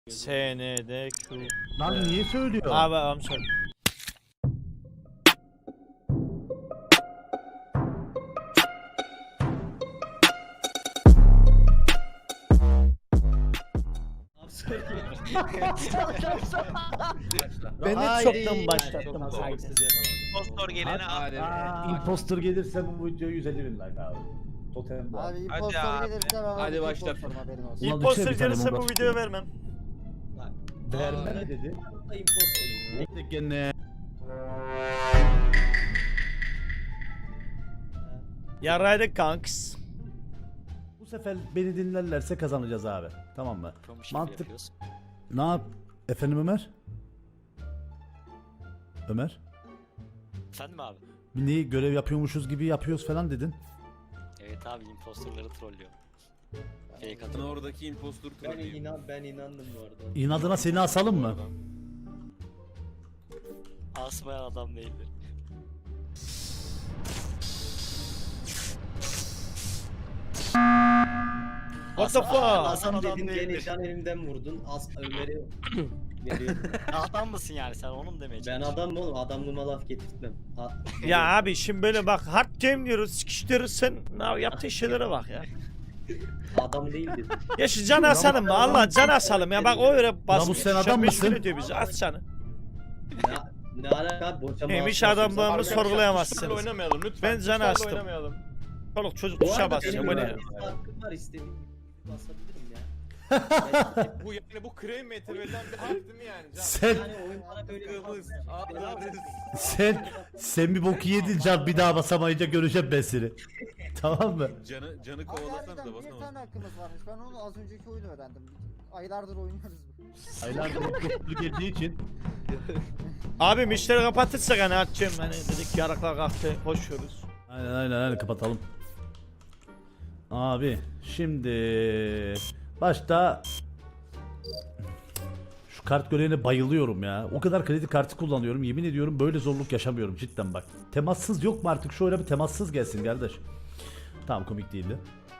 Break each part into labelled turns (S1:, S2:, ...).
S1: SNDQ.
S2: Lan niye söylüyor?
S1: Abi I'm sorry. Ben hep çoktan başlattım.
S3: Impostor gelene at.
S2: Imposter gelirse bu video 150 bin like abi. Totem bu.
S4: Abi
S3: Hadi
S4: impostor
S3: abi.
S4: gelirse ben
S5: Hadi
S4: abi
S5: başlat.
S4: impostorum, haberin olsun.
S2: Ulan
S1: İmposter
S2: düşsene bir tane
S1: gelirse bu
S2: bomba
S1: videoyu
S2: tutuyorum.
S1: vermem.
S2: Verme ne dedi? Ne gene?
S1: Yaraydık kanks.
S2: Bu sefer beni dinlerlerse kazanacağız abi. Tamam mı? Mantık. Ne yap? Efendim Ömer? Ömer?
S6: Efendim abi?
S2: Niye görev yapıyormuşuz gibi yapıyoruz falan dedin.
S6: Evet abi impostorları trollüyor. Fake
S5: Ben
S6: atıyor.
S5: oradaki impostor trollüyüm.
S7: Ben inandım bu arada.
S2: İnadına seni asalım mı?
S6: Asmayan adam değildir.
S1: What the fuck?
S6: Hasan adam
S7: Dedim
S6: değildir.
S7: gene can elimden vurdun. Ömer'i veriyordum.
S6: Adam mısın yani sen onu mu demeye
S7: Ben
S6: çalışıyorsun?
S7: adam oğlum, adamlığıma laf getirtmem.
S1: Ya abi şimdi böyle bak hard game diyoruz, sikiştiriyoruz sen yaptığın şeylere bak ya.
S7: Adam değil dedim.
S1: Ya şu can asalım mı? Allah can asalım ya bak o öyle basmış.
S2: sen adam mısın?
S1: Ediyor bizi at canı.
S7: Ne alaka? Boşama.
S1: Neymiş adamlığımı sorgulayamazsınız.
S8: Oynamayalım lütfen.
S1: Ben canı astım.
S8: Oynamayalım.
S1: Çoluk çocuk
S7: Bu
S1: tuşa
S7: arada
S1: basıyor
S7: benim
S1: bu ne?
S7: böyle bir hakkım var, istediğim gibi basabilirim ya.
S8: Bu yani bu krem meteoriden bir harf değil mi yani? Can?
S2: Sen
S7: Yani oyun bana böyle bir hak-
S2: sen bir boku yedin can, bir daha basamayınca göreceğim ben seni. Tamam mı?
S5: Canı
S4: Abi
S5: kovalasanız
S4: harbiden
S5: da
S4: bir
S5: basamaz.
S4: tane hakkımız varmış. Ben onu az önceki oyunu öğrendim. Aylardır oynuyoruz bu.
S2: Aylardır imposter geldiği için.
S1: Abi müşteri kapatırsak hani atacağım hani dedik yaraklar kalktı koşuyoruz.
S2: Aynen kapatalım. Abi şimdi başta şu kart görevine bayılıyorum ya. O kadar kredi kartı kullanıyorum. Yemin ediyorum böyle zorluk yaşamıyorum cidden bak. Temassız yok mu artık? Şu oyuna bir temassız gelsin kardeş. Tamam, komik değildi.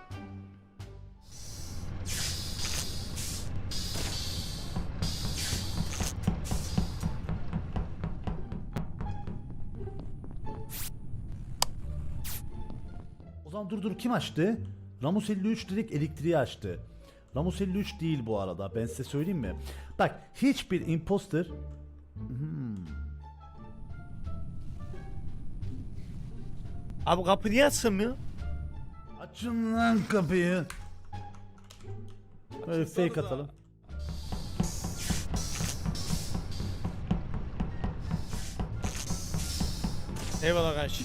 S2: O zaman dur kim açtı? Ramus 53 direkt elektriği açtı. Ramus 53 değil bu arada, ben size söyleyeyim mi? Bak hiçbir imposter
S1: Abi kapı niye açılmıyor?
S2: açın lan kapıyı. Böyle fake
S8: Açılsanıza.
S2: atalım.
S1: Eyvallah kardeşim.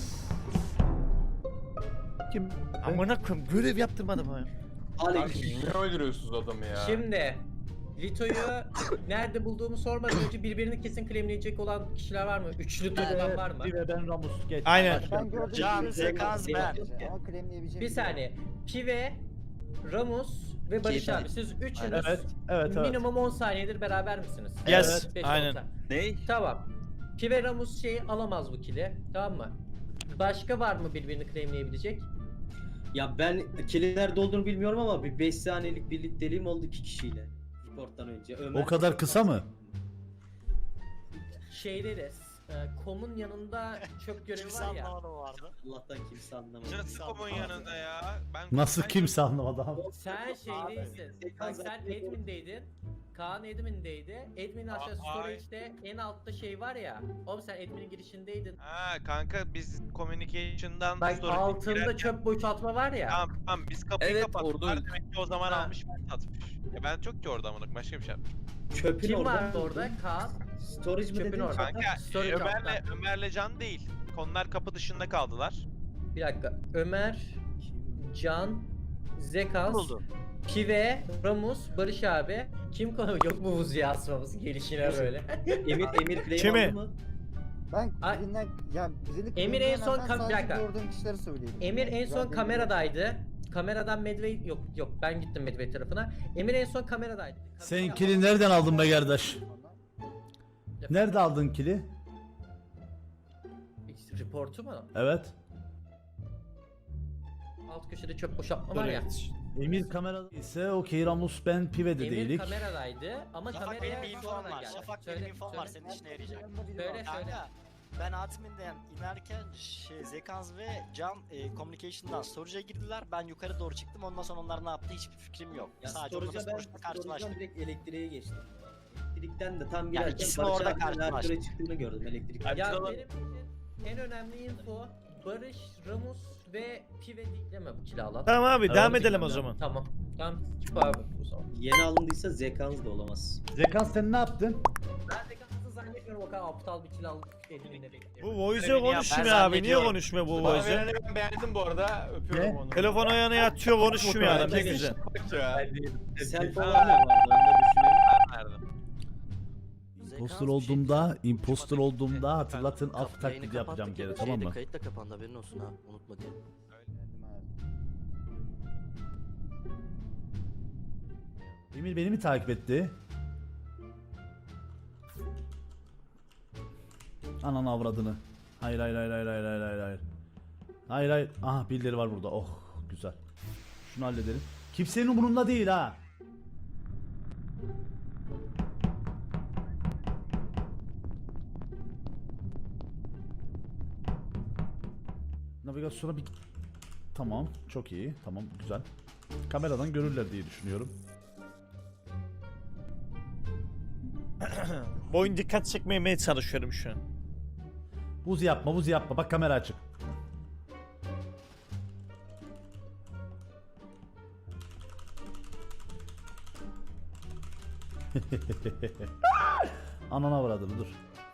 S2: Kim?
S1: Amına koyayım görev yaptırmadım ha.
S7: Aleyküm.
S8: Niye öldürüyorsunuz adamı ya?
S9: Şimdi Lito'yu nerede bulduğumu sormadan önce birbirini kesin claimleyecek olan kişiler var mı? Üçlü turdan var mı?
S2: Bir ve ben Ramus geç.
S1: Aynen.
S4: Ben gördüğüm
S6: Can,
S4: gibi
S6: Zekans, ben.
S4: Ama claimleyebileceğim
S9: Bir saniye. Pive, Ramus ve Barış
S7: Kesin.
S9: abi siz üçünüz
S2: Evet.
S9: minimum 10 saniyedir beraber misiniz?
S1: Yes,
S9: Beş,
S1: aynen.
S9: on saniye.
S5: Ney?
S9: Tamam. Pive Ramus şeyi alamaz bu kili. Tamam mı? Başka var mı birbirini claimleyebilecek?
S7: Ya ben kilin nerede olduğunu bilmiyorum ama bir 5 saniyelik birlikteliğim oldu 2 kişiyle. Reporttan önce. Ömer.
S2: O kadar kısa mı?
S9: Şeyde de Kom'un yanında çöp görevi
S6: Kimse
S9: var ya.
S6: anlamadı o vardı.
S7: Allah'tan kimse anlamadı.
S3: Jırtıkomun yanında ya. Ben
S2: Nasıl kimse anlamadı abi.
S9: Sen şeydeysin. Bak sen admin'deydin. Kaan admin'deydi. Admin aşağı
S3: Ay.
S9: storage'de en altta şey var ya. Oğlum sen admin'in girişindeydin.
S3: Ha kanka biz communication'dan
S9: Bak
S3: storage'e
S9: altında
S3: girerken-
S9: çöp boşaltma var ya.
S3: Tamam biz kapıyı
S5: Evet,
S3: kapattık.
S5: orada öldük.
S3: Demek ki o zaman
S9: Ha.
S3: almış ben satmış. Ya ben çok ki orada amına başka bir şey yapmış.
S7: Çöpün
S9: Kim
S7: orada.
S9: vardı orada? Kaan.
S7: Storage mi
S9: Çöpün
S7: dedin?
S9: orada.
S3: Kanka
S9: Storage
S3: Ömer'le Can değil. Konular kapı dışında kaldılar.
S9: Bir dakika. Ömer, Can, Zekans,
S6: Buldu.
S9: Pive, Ramus, Barış abi. Kim konu yok mu Vuzi'ye asmamız gelişine böyle.
S7: Emir claim
S1: Kimi?
S7: aldı mı?
S4: Ben
S9: Ay.
S4: birinden ya birini
S9: Emir en son
S4: claimleyemem, ben
S9: bir dakika.
S4: sadece gördüğüm kişileri söyleyeyim.
S9: Emir en
S4: Güzel
S9: son
S4: bir
S9: kameradaydı. Kameradan Medway yok ben gittim Medway tarafına. Emir en son kameradaydı.
S2: Sen kili nereden aldın be kardeş? Nerede aldın kili?
S9: Reportu mu?
S2: Evet.
S9: Alt köşede çöp boşaltma var ya.
S2: Emir kamerada ise okey, Ramus ben Pive'de
S9: Emir
S2: değilik.
S9: kameradaydı ama
S6: Şafak
S9: kameraya
S6: benim bir infom
S9: sonradan
S6: var.
S9: geldi.
S6: Şafak benim infom var, senin işine yarayacak.
S9: Söyle söyle.
S6: Kanka ben adminden inerken Zekans ve Can Communication'dan storage'a girdiler. Ben yukarı doğru çıktım. Ondan sonra onlar ne yaptı hiçbir fikrim yok.
S7: Ya
S6: Sadece onlarla
S7: storage'a ben
S6: storage'da
S7: storage'dan
S6: karşılaştık.
S7: direkt elektriğe geçtim. Elektrikten de tam girerken
S6: ikisini
S7: Barış
S6: orada
S7: abinin
S6: karşılaştık.
S7: reaktöre çıktığını gördüm elektrik.
S9: Ya benim için en önemli info Barış, Ramus ve Pive değil mi bu kiralan?
S1: Tamam abi
S2: Evet,
S1: devam edelim o zaman.
S9: Tamam. Tamam. Skip abi o zaman.
S7: Yeni alındıysa Zekans da olamaz.
S2: Zekans sen ne yaptın?
S9: Ben de kalsın zannetmiyorum o kadar aptal bir kiralık elinde bekliyorum.
S1: Bu voice
S6: Görevini yap,
S1: konuşmuyor
S6: ben
S1: abi. Niye
S6: zannediyorum.
S1: konuşmuyor bu
S8: Bana
S1: voice?
S8: vereni ben beğendim bu arada. Öpüyorum
S2: Ne?
S8: onu.
S1: Telefon ayağına yatıyor konuşmuyor adam. Ne
S8: Kesin
S1: güzel.
S8: Şafak ya.
S7: Self olan ne vardı onu da düşünelim.
S2: Imposter olduğumda, imposter olduğumda hatırlatın af taklidi yapacağım geri, tamam mı?
S10: Kayıt da kapandı, haberin olsun ha, unutma diye.
S2: Emir beni mi takip etti? Ananı avradını. Hayır hayır hayır hayır hayır hayır hayır hayır. Hayır hayır. Aha birileri var burada. Oh güzel. Şunu halledelim. Kimsenin umurunda değil ha. Navigasyona bir... Tamam çok iyi. Tamam güzel. Kameradan görürler diye düşünüyorum.
S1: Bu oyun dikkat çekmemeye çalışıyorum şu an.
S2: Buz yapma, buz yapma. Bak kamera açık. Anana vuradım, dur.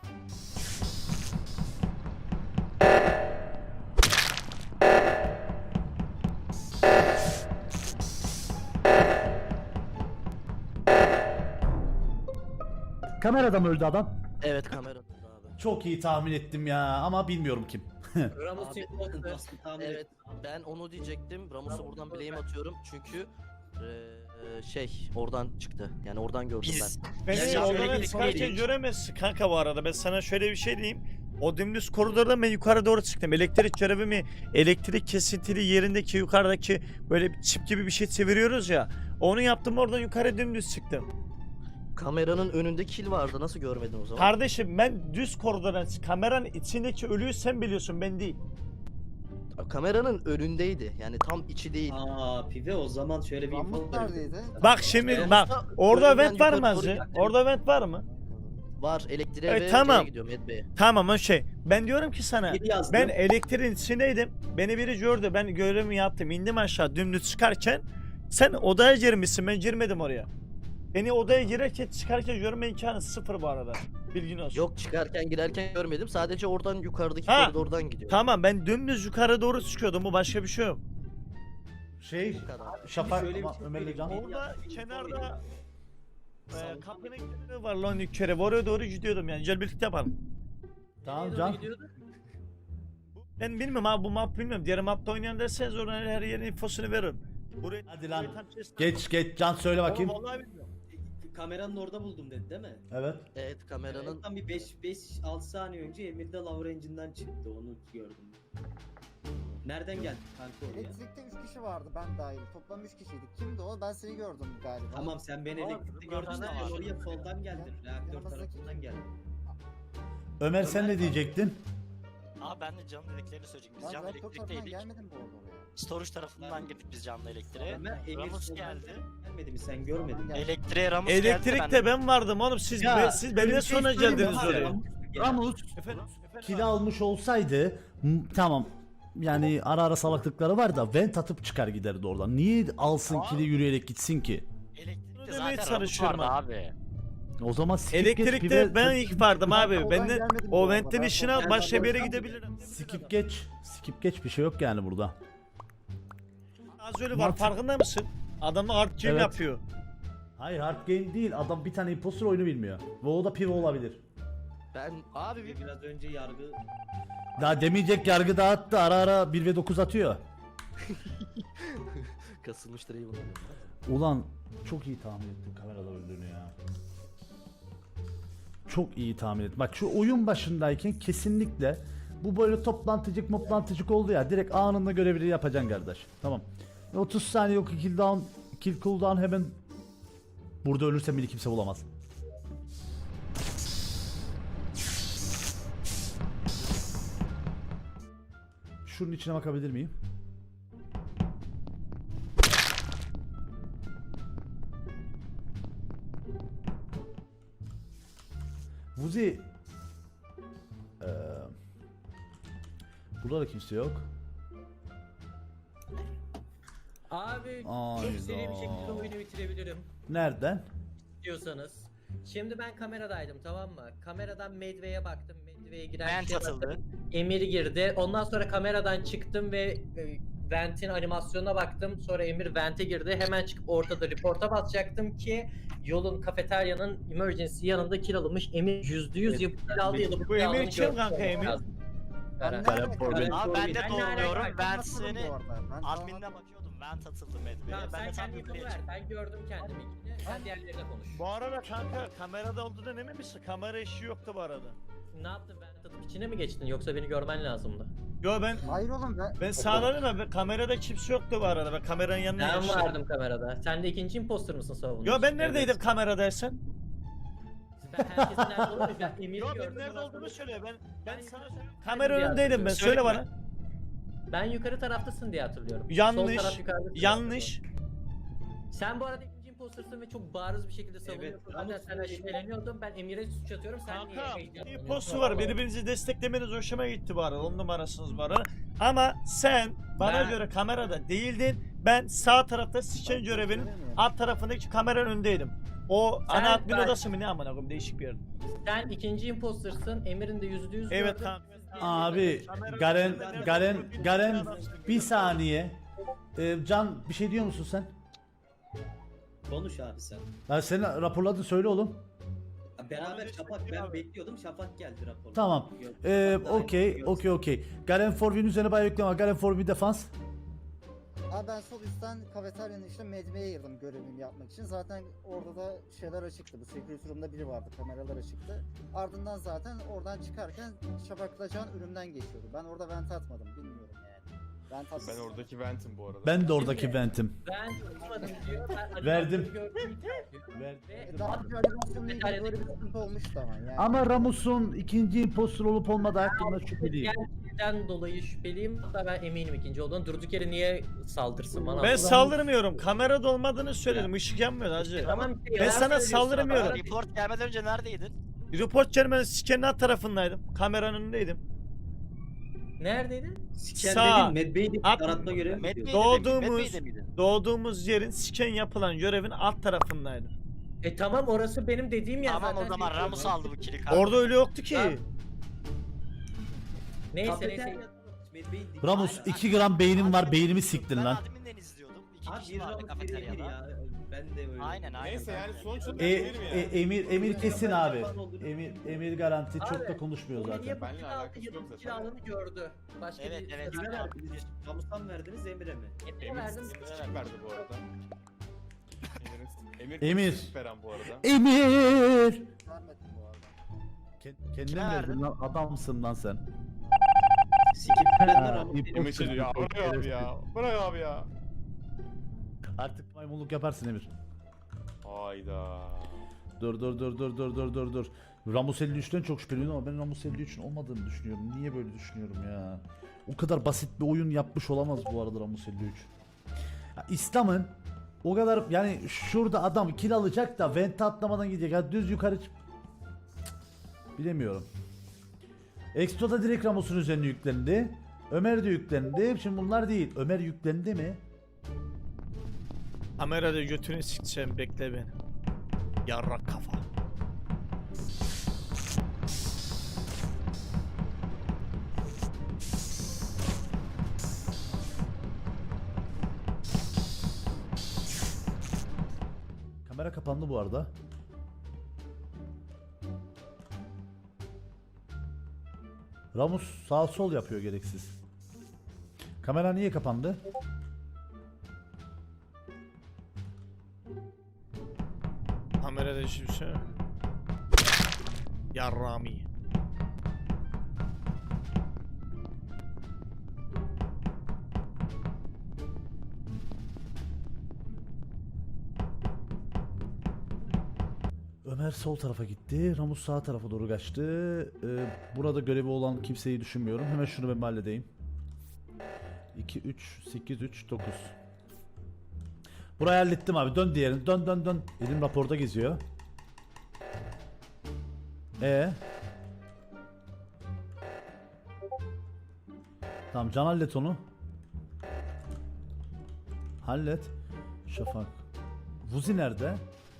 S2: Kamerada mı öldü adam?
S10: Evet, kamera abi.
S2: Çok iyi tahmin ettim ya ama bilmiyorum kim.
S9: Ramus
S10: Abi,
S9: imposter.
S7: Nasıl tahmin
S10: Evet,
S7: ettim.
S10: ben onu diyecektim. Ramus'a
S9: Tamam,
S10: buradan
S9: ben-
S10: blame atıyorum çünkü oradan çıktı. Yani oradan gördüm
S6: Biz
S1: Beni
S6: Biz
S1: oradan
S6: elektrik
S1: çıkarken
S6: yedik.
S1: göremezsin kanka bu arada. Ben sana şöyle bir şey diyeyim. O dümdüz koridorda ben yukarı doğru çıktım. Elektrik görevimi, elektrik kesintili yerindeki yukarıdaki böyle bir çip gibi bir şey çeviriyoruz ya. Onu yaptım, oradan yukarı dümdüz çıktım.
S10: kameranın önünde kill vardı. Nasıl görmedin o zaman?
S1: Kardeşim ben düz koridordan kameranın içindeki ölüyü sen biliyorsun, ben değil.
S10: Kameranın önündeydi. Yani tam içi değil.
S7: Aa Pive o zaman şöyle bir
S4: Ramus
S7: info
S4: neredeydi?
S1: Bak şimdi
S10: Ramus'ta
S1: bak orada
S10: önünden
S1: vent var mı
S10: yukarı doğru
S1: Azri?
S10: gitti.
S1: Orada vent var mı?
S10: Var, elektriğe
S1: Evet,
S10: ve
S1: tamam.
S10: şeye gidiyorum, Medbay'e.
S1: Tamam o şey. Ben diyorum ki sana
S7: Bir yazdım.
S1: ben elektriğin içindeydim. Beni biri gördü. Ben görevimi yaptım. İndim aşağı dümdüz çıkarken sen odaya girmişsin. Ben girmedim oraya. Beni odaya girerken çıkarken görme imkanı sıfır bu arada. Bilgin olsun.
S10: Yok, çıkarken girerken görmedim. Sadece oradan yukarıdaki
S1: Ha,
S10: koridordan gidiyor.
S1: Tamam ben dümdüz yukarı doğru çıkıyordum. Bu başka bir şey yok.
S2: Şey,
S10: Bu kadar.
S2: Şafak
S7: şöyle bir
S2: ama
S7: şey
S2: Ömer'le Can.
S7: söyleyeyim.
S1: Orada kenarda
S7: Salon-
S1: kapının kenarı var lan yukarı. Oraya doğru gidiyordum yani. Gel birlikte yapalım.
S2: Tamam
S9: Nereye
S2: Can.
S9: doğru gidiyordu?
S1: Ben bilmiyorum abi bu map bilmiyorum. Diğer mapta oynayan derseniz oradan her yerin infosunu veririm. Buraya,
S2: Hadi lan.
S1: buraya tam chest-
S2: Geç Can söyle bakayım.
S1: Oğlum vallahi bilmiyorum.
S7: Kameranın orada buldum dedi değil mi?
S2: Evet.
S10: Evet, kameranın
S7: Tam bir 5-6 saniye önce Emir de Lower Engine'den çıktı onu gördüm. Nereden geldi kanka oraya?
S4: Elektrikte 3 kişi vardı ben dahil. Toplam 3 kişiydik. Kimdi o? Ben seni gördüm galiba.
S7: Tamam sen beni
S9: Ama
S7: elektrikte
S9: yukarıda
S7: gördün de
S9: ne var?
S7: oraya soldan geldin. Reaktör
S4: Yanımızdaki-
S7: tarafından geldin.
S2: Ömer sen ne diyecektin?
S6: Abi ben de canlı elektriğini söyleyecektim. Biz
S4: Ben
S6: canlı
S4: reaktör tarafından
S6: elektrikteydik.
S4: gelmedim bu arada oraya.
S6: Storage tarafından girdik biz canlı elektriğe.
S7: Ömer Emir
S6: Ramus
S7: soldan
S6: geldi.
S7: gelmedi mi sen görmedin mi?
S6: Elektriğe Ramus geldi.
S1: Elektrikte ben vardım oğlum. Siz siz benimle
S2: bir şey
S1: sonra
S2: söyleyeyim mi?
S1: geldiniz
S2: Abi,
S1: oraya.
S2: Ramus
S1: Efendim?
S2: kili almış olsaydı tamam. Yani ara ara salaklıkları var da vent atıp çıkar giderdi oradan. Niye alsın kili yürüyerek gitsin ki?
S6: Elektrikte
S1: Demeye
S6: zaten Ramus
S1: çalışıyorum
S6: vardı
S1: abi.
S6: abi.
S2: O zaman skip geç,
S1: Elektrikte
S2: pive-
S1: ben ilk vardım abi.
S4: oradan
S1: Ben de
S4: gelmedim bu
S1: o
S4: arada.
S1: ventin
S4: Ben
S1: işini al
S7: oradan
S1: başka bir yere
S7: gelmedim.
S1: gidebilirim.
S2: skip geç bir şey yok yani burada.
S1: Az öyle var
S2: Mantık-
S1: farkında mısın? Adamlar hard game
S2: Evet.
S1: yapıyor.
S2: Hayır hard game değil, adam bir tane imposter oyunu bilmiyor. Ve o da pive olabilir.
S10: ben abi bir
S7: Biraz önce yargı
S2: Daha demeyecek yargı dağıttı, ara ara 1 ve 9 atıyor.
S10: kasılmıştır iyi bunu.
S2: Ulan çok iyi tahmin ettim kamerada öldüğünü ya. Çok iyi tahmin ettim. Bak şu oyun başındayken kesinlikle bu böyle toplantıcık oldu ya, direkt anında görevleri yapacaksın kardeş. Tamam. 30 saniye yok, kill cooldown hemen. Burada ölürsem beni kimse bulamaz. Şunun içine bakabilir miyim? Vuzi. Burada da kimse yok.
S9: Abi
S2: Ayda.
S9: çok seri bir şekilde oyunu bitirebilirim
S2: Nereden?
S9: diyorsanız. Şimdi ben kameradaydım, tamam mı? Kameradan Medve'ye baktım. Medve'ye giren
S6: Vent
S9: kişiye
S6: atıldı.
S9: baktım. Emir girdi. Ondan sonra kameradan çıktım ve Vent'in animasyonuna baktım. Sonra Emir Vent'e girdi. Hemen çıkıp ortada reporta basacaktım ki yolun, kafeteryanın emergency yanında kill alınmış. Emir %100 yapıp kill aldı ya da
S1: Bu
S9: kill
S1: Emir
S9: aldığını
S1: kim
S9: görmüş
S1: kanka,
S9: olmak
S1: Emir?
S9: lazım.
S4: Ben
S2: Garen
S4: nerede-
S2: Forbin.
S6: Abi ben de
S9: Ben
S6: doğruluyorum.
S9: nerede-
S6: Vent
S4: Atmadım
S6: seni
S4: bu arada. Ben
S6: adminine
S4: tamam-
S6: bakıyordum. Vent atıldı Medve'ye.
S9: Tamam,
S6: Ben
S9: sen
S6: de tam
S9: kendi
S6: yukarıya
S9: yapımı ver.
S6: çıktım.
S9: Ben gördüm kendimi. Sen diğerlerine konuş.
S1: Bu arada kanka kamerada olduğundan emin misin? Kamera işi yoktu bu arada.
S9: Ne yaptın, ben tadım içine mi geçtin yoksa beni görmen lazımdı?
S1: Yo ben
S4: Hayır oğlum
S1: ben sağladım ama kamerada kimse yoktu bu arada. Ben kameranın yanına
S9: Ben
S1: geçtim.
S9: vardım kamerada. Sen de ikinci imposter mısın savunucu?
S1: Yo ben neredeydim kameradaysan?
S9: Ben herkesin nerede olduğunu ben Emir'i
S1: Yo ben
S9: gördüm.
S1: nerede
S9: ondan
S1: olduğunu
S9: sonra-
S1: söyle. Ben
S9: Ben
S1: sana
S9: yukarı-
S1: kamera
S9: diye
S1: önündeydim ben. Söyle
S6: Söyleyeyim
S1: bana.
S9: Ben yukarı taraftasın diye hatırlıyorum.
S1: Yanlış,
S9: Sol taraf yukarıda.
S1: Yanlış.
S9: Sen bu arada ikinci impostersın ve çok bariz bir şekilde savunuyorsun.
S7: Evet,
S9: Zaten
S7: ama
S9: senden şüpheleniyordum. Ben Emir'e suç atıyorum. Sen niye
S1: Kanka
S9: heyecanlanıyorsun?
S1: postu var. Birbirinizi desteklemeniz hoşuma gitti bu arada. 10 numarasınız bu arada. Ama sen bana
S9: Ben-
S1: göre kamerada değildin. Ben sağ tarafta siken görevinin alt tarafındaki kameranın önündeydim. O
S9: Sen-
S1: ana admin
S9: ben-
S1: odası mı ne amına koyayım, değişik bir yer.
S9: Sen ikinci impostersın. Emir'in de %100
S1: Evet
S9: gördüm.
S1: kanka.
S2: Abi Garen bir saniye. Can bir şey diyor musun sen?
S7: Konuş abi sen.
S2: Ya seni raporladın, söyle oğlum.
S7: Beraber Şafak, ben bekliyordum, Şafak geldi rapor.
S2: Tamam. Okey. Garen Forbin'in üzerine bayağı yükleme. Garen Forbin defans.
S4: Abi ben sol üstten kafeteryanın işte Medve'ye girdim görevimi yapmak için. Zaten orada da şeyler açıktı. Bu security room'da biri vardı. Kameralar açıktı. Ardından zaten oradan çıkarken Şafak'la Can önümden geçiyordu. Ben orada vent atmadım. Bilmiyorum yani. Vent atmadım.
S8: Ben oradaki ventim bu arada.
S2: Ben de oradaki ventim.
S9: Ben tutmadım diyor. Ben
S2: Verdim.
S9: animasyonu gördüm diyor. Ve
S4: Daha bir animasyonla ilgili böyle bir sıkıntı olmuştu ama yani.
S2: Ama Ramus'un ikinci impostor olup olmadığı hakkında şüpheliyim.
S9: Gerçekten dolayı şüpheliyim. Hatta ben eminim ikinci olduğunu. Durduk yere niye saldırsın bana?
S1: Ben saldırmıyorum. Kamerada olmadığını söyledim. Işık yanmıyor hacı.
S9: Tamam,
S1: Ben sana saldırmıyorum.
S6: Report gelmeden önce neredeydin?
S1: Report gelmenin sikenin alt tarafındaydım. Kameranın önündeydim.
S9: Neredeydin?
S7: Siken
S1: Sağ.
S7: dedin, Medbey'di
S1: At-
S7: aratma görevi mi
S6: Medve'de
S7: yapıyorsun?
S1: Doğduğumuz yerin siken yapılan görevin alt tarafındaydım.
S9: Tamam, orası benim dediğim yer
S6: Tamam
S9: zaten.
S6: o zaman
S9: Bekliyorum.
S6: Ramus aldı bu kili kanka.
S1: Orada öyle yoktu ki.
S9: Tamam. Neyse
S7: Kafeterya-
S9: neyse.
S7: Medbey'di.
S2: Ramus 2 gram beynim var, beynimi siktin
S6: Ben
S2: lan.
S6: adminden izliyordum. İki
S7: Abi
S6: kişi
S7: bir
S6: vardı
S7: Ramus biri Emir
S6: kafeteryada.
S7: ya. Ben de öyle.
S6: Aynen.
S8: Neyse yani
S6: ben-
S8: sonuçta Emir mi ya?
S2: Emir kesin abi. Emir garanti, çok da
S9: Abi,
S2: konuşmuyor
S9: Emir
S2: zaten.
S9: ya bu
S8: Benimle
S9: kill
S8: alakası
S9: aldı ya
S8: yok
S9: da
S8: zaten.
S9: kill aldığını gördü. Başka
S6: Evet,
S9: bir
S6: evet.
S7: Kime verdiniz? Ramus'tan mı verdiniz, Emir'e mi?
S9: Emir'e
S8: Emir
S9: verdim.
S8: sıkıntı verdi bu arada.
S2: Emir.
S8: sıkıntı veren bu arada.
S2: Emir!
S4: Vermedim bu arada.
S2: Kendine
S6: Kime
S2: verdin
S6: verdin?
S2: lan, adamsın lan sen.
S7: Sikiplerden Ramus.
S8: Emir şey diyor ya bırak abi ya. Bırak abi ya.
S2: Artık maymunluk yaparsın Emir.
S8: Hayda.
S2: Dur. Ramus 53'ten çok şüpheleniyorum ama ben Ramus 53'ün olmadığını düşünüyorum. Niye böyle düşünüyorum ya? O kadar basit bir oyun yapmış olamaz bu arada Ramus 53. Ya İslam'ın o kadar, yani şurada adam kill alacak da vente atlamadan gidecek. Ya düz yukarı Cık, bilemiyorum. Exto'da direkt Ramus'un üzerine yüklendi. Ömer de yüklendi. Şimdi bunlar değil. Ömer yüklendi mi?
S1: Kamerada götünü sikeceğim, bekle beni. Yarrak kafa.
S2: Kamera kapandı bu arada. Ramus sağ sol yapıyor gereksiz. Kamera niye kapandı?
S1: Kamerada hiçbir şey yok. Yarrami.
S2: Kamer sol tarafa gitti. Ramus sağ tarafa doğru kaçtı. Burada görevi olan kimseyi düşünmüyorum. Hemen şunu ben halledeyim. 2, 3, 8, 3, 9. Burayı hallettim abi. Dön diğerini. Dön dön dön. Elim raporda geziyor. Tamam, Can hallet onu. Hallet. Şafak. Vuzi nerede?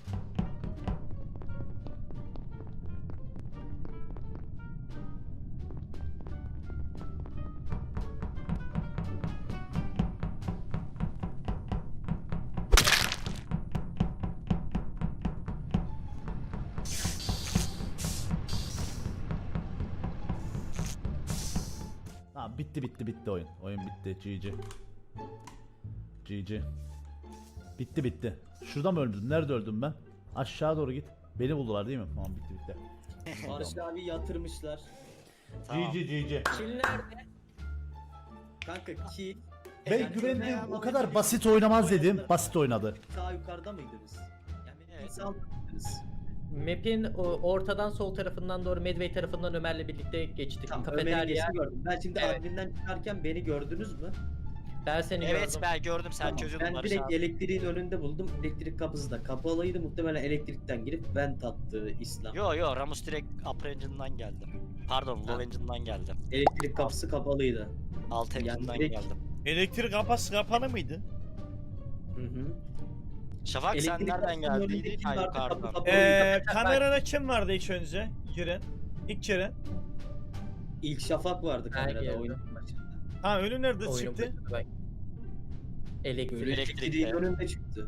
S2: Tamam, bitti oyun. Oyun bitti. GG. GG. Bitti. Şurada mı öldüm? Nerede öldüm ben? Aşağı doğru git. Beni buldular değil mi? Tamam, bitti.
S7: Barış abi yatırmışlar.
S6: Tamam.
S2: GG.
S9: Kill nerede?
S7: Kanka kill.
S2: Ben güvendim. O kadar basit oynamaz dedim. Basit oynadı.
S7: Sağ yukarıda mıydınız? Yani
S6: Evet.
S7: sağ mıydınız?
S9: Map'in ortadan sol tarafından doğru Medway tarafından Ömer'le birlikte geçtik.
S7: Tamam, Ömer'i
S9: Kafeterya.
S7: geçti gördüm. Ben şimdi
S9: Evet.
S7: adminden çıkarken beni gördünüz mü?
S9: Ben seni
S6: Evet
S9: gördüm.
S6: ben gördüm sen
S7: Tamam,
S6: çözüyordun
S7: ben
S6: Barış
S7: direkt
S6: abi.
S7: elektriğin önünde buldum. Elektrik kapısı da kapalıydı. Muhtemelen elektrikten girip vent attı İslam.
S6: Yo Ramus direkt upper engine'dan geldi. Pardon low
S7: Ha.
S6: engine'dan geldi.
S7: Elektrik kapısı kapalıydı.
S6: Alt
S7: Yani
S6: engine'dan
S7: direkt-
S6: geldim.
S1: Elektrik kapısı kapalı mıydı?
S7: Hı.
S6: Şafak sen
S7: Elektrik
S6: nereden
S7: kapısının önünde
S6: geldiydin?
S7: kim
S6: Ha
S7: vardı? Kapı
S6: yukarıdan.
S7: kapalıydı.
S1: Kamerada kim vardı ilk önce? Giren. İlk giren.
S7: İlk Şafak vardı
S9: Ben
S7: kamerada
S9: geldim.
S7: oyunun başında.
S1: Ha, önü nerede
S9: Oyunun
S1: çıktı?
S9: başında ben. Elektrik.
S6: Elektrikte.
S7: Elektriğin önünde çıktı.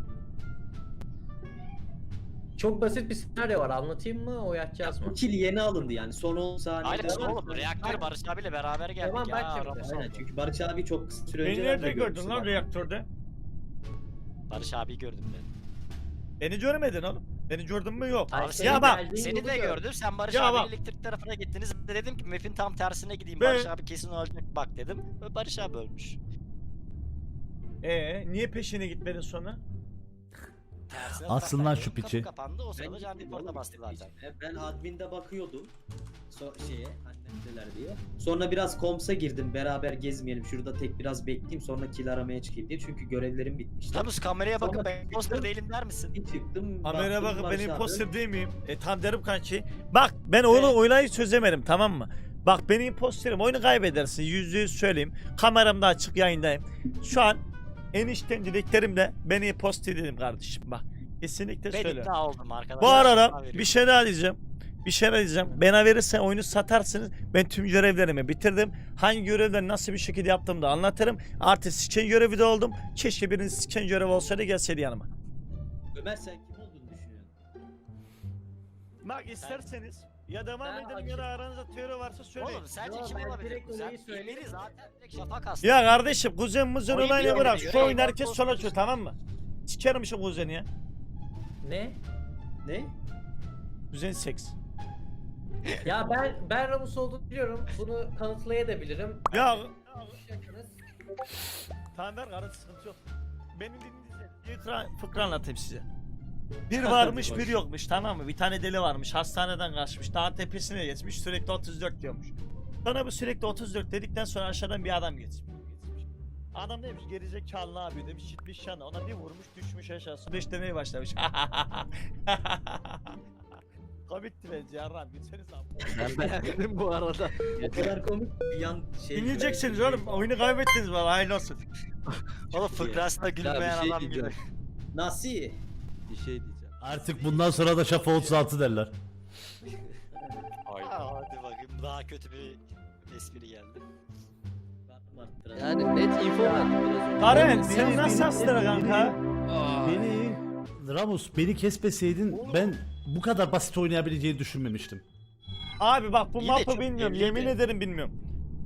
S9: Çok basit bir senaryo var. Anlatayım mı? Oynatacağız mı?
S7: Bu kill yeni alındı yani. Son 10 saniyede.
S6: Aynen oğlum reaktörü Barış abiyle beraber geldik
S9: Tamam, bak
S6: ya.
S9: şimdi.
S6: Ramus
S7: Aynen
S6: oldu.
S7: çünkü Barış abi çok kısa süre
S1: Beni
S7: önce
S1: nerede gördün lan reaktörde?
S6: Barış abiyi gördüm ben.
S1: Beni görmedin oğlum. Beni gördün mü? Yok.
S9: Ay,
S6: Abi
S9: senin
S1: ya bak.
S9: geldiğin
S6: Seni
S9: yolu
S6: de
S9: gördüm.
S6: gördüm. Sen Barış
S1: Ya
S6: abi
S1: bak.
S6: elektrik tarafına gittiniz. Ben de dedim ki map'in tam tersine gideyim.
S1: Ben-
S6: Barış abi kesin ölecek bak dedim. Ve Barış abi ölmüş.
S1: Niye peşine gitmedin sonra?
S6: Tersine
S2: Alsın lan şu
S6: kapı
S2: piçi.
S6: kapandı. O sırada
S7: Ben
S6: can
S7: gittim
S6: report'a
S7: oğlum
S6: bastı
S7: işte
S6: zaten.
S7: peşine. Ben adminde bakıyordum. Şeye annemdeler diye. Sonra biraz komsa girdim beraber gezmeyelim. Şurada tek biraz bekleyeyim sonra kill aramaya çıkayım diye. Çünkü görevlerim bitmişti.
S6: Ramus kameraya bakıp
S7: Sonra
S6: ben
S7: çıktım.
S6: poster değilim der misin?
S7: Bir çıktım.
S1: Kameraya
S7: baktım
S1: bakıp
S7: Barış
S1: ben
S7: abi.
S1: imposter değil miyim? Tam derim kanki. Bak ben onu oynayı çözemedim, tamam mı? Bak ben imposterim, oyunu kaybedersin, %100 söyleyeyim. Kameram da açık, yayındayım. Şu an en içten dileklerimle ben imposter dedim kardeşim, bak. Kesinlikle
S6: Ben
S1: söyle.
S6: ikna oldum arkadaşlar.
S1: Bu arada
S6: Sana veriyorum.
S1: bir şey daha diyeceğim. Bana verirsen oyunu satarsınız. Ben tüm görevlerimi bitirdim. Hangi görevleri nasıl bir şekilde yaptığımı da anlatırım. Artı siken görevi de oldum. Keşke birinin siken görevi olsaydı gelseydi yanıma.
S7: Ömer sen kim olduğunu düşünüyorsun?
S1: Bak isterseniz ya devam
S9: Ben
S1: edelim ya da aranızda teori varsa söyleyin.
S6: Oğlum sence
S9: Yo,
S6: kim
S9: ben
S6: olabilir?
S9: direkt
S6: Kuzen
S9: olayı söyleyeyim.
S6: Emiri zaten direkt Şafak aslında.
S1: Ya kardeşim kuzen muzen
S6: Oyun
S1: olayını
S6: bir
S1: bırak.
S6: yere
S1: Şu oyun
S6: göre
S1: herkes
S6: post
S1: sola
S6: diyorsun.
S1: açıyor, tamam mı? Sikerim şu kuzeni ya.
S9: Ne?
S7: Ne?
S1: Kuzen seks.
S9: Ya ben Ramus olduğunu biliyorum. Bunu kanıtlayabilirim.
S1: Ya
S9: Yakınız.
S1: tamam ver kardeş, sıkıntı yok. Benim dinleyeceğim. Fıkra anlatayım size. Bir varmış bir yokmuş, tamam mı? Bir tane deli varmış, hastaneden kaçmış, dağ tepesine geçmiş, sürekli 34 diyormuş. Sonra bu sürekli 34 dedikten sonra aşağıdan bir adam geçmiş. Adam demiş gerizekalı ne yapıyor demiş, gitmiş yana ona bir vurmuş, düşmüş aşağısı 5 demeye başlamış. Komikti bence yarram, gitseniz abi.
S10: Ben beğendim bu arada.
S7: O kadar komik bir yan şey.
S1: Dinleyeceksiniz oğlum, oyunu kaybettiniz valla, hayırlı olsun.
S6: Oğlum fıkrasında gülmeyen
S10: şey
S6: adam
S10: diyeceğim.
S6: gibi.
S7: Nasıl?
S10: Bir şey diyeceğim.
S2: Artık bundan sonra da Şafa 36 derler.
S6: Hadi bakayım daha kötü bir espri geldi.
S10: Yani net info verdim biraz önce.
S1: Karen sen nasıl astıra kanka?
S2: Beni Ramus beni kesmeseydin ben bu kadar basit oynayabileceğini düşünmemiştim.
S1: Abi bak bu
S6: İyi de
S1: map'ı
S6: çok
S1: bilmiyorum,
S6: belliydi.
S1: yemin ederim bilmiyorum.